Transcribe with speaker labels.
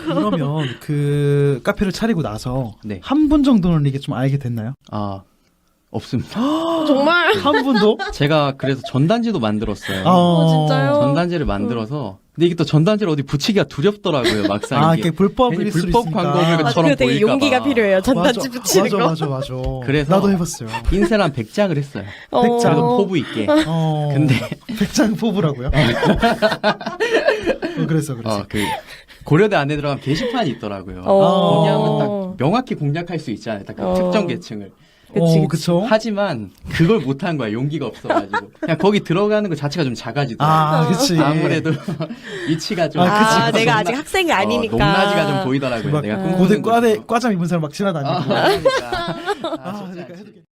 Speaker 1: 그러면 그 카페를 차리고 나서
Speaker 2: 네.
Speaker 1: 한 분 정도는 이게 좀 알게 됐나요?
Speaker 2: 아, 없습니다.
Speaker 3: 정말?
Speaker 1: 한 분도?
Speaker 2: 제가 그래서 전단지도 만들었어요.
Speaker 3: 진짜요?
Speaker 2: 전단지를 만들어서 근데 이게 또 전단지를 어디 붙이기가 두렵더라고요. 막상
Speaker 1: 아,
Speaker 2: 이게
Speaker 1: 이게 불법일
Speaker 2: 괜히
Speaker 1: 수
Speaker 2: 불법
Speaker 1: 있으니까.
Speaker 2: 광고물처럼
Speaker 3: 맞아, 그거 되게
Speaker 2: 보일까
Speaker 3: 용기가
Speaker 2: 봐.
Speaker 3: 필요해요. 전단지 붙이는 거.
Speaker 1: 맞아.
Speaker 2: 그래서
Speaker 1: 나도 해봤어요.
Speaker 2: 인쇄를 한 100장을 했어요.
Speaker 1: 백장.
Speaker 2: 그래도 포부 있게. 근데
Speaker 1: 백장 포부라고요? 그래서.
Speaker 2: 그 고려대 안에 들어가면 게시판이 있더라고요.
Speaker 3: 어.
Speaker 2: 거기 하면 딱 명확히 공략할 수 있잖아요. 딱 그 특정 계층을.
Speaker 3: 그치.
Speaker 1: 그쵸?
Speaker 2: 하지만 그걸 못한 거야. 용기가 없어가지고. 그냥 거기 들어가는 것 자체가 좀 작아지더라고요.
Speaker 1: 아, 그치.
Speaker 2: 아무래도 위치가 좀.
Speaker 1: 그치.
Speaker 3: 내가 아직 학생이 아니니까.
Speaker 2: 높낮이가 좀 보이더라고요.
Speaker 1: 막
Speaker 2: 내가
Speaker 1: 고대
Speaker 2: 꿈꾸는 곳에서.
Speaker 1: 과잠 입은 사람 막 지나다니고.
Speaker 2: 그러니까.
Speaker 1: 그러니까 해도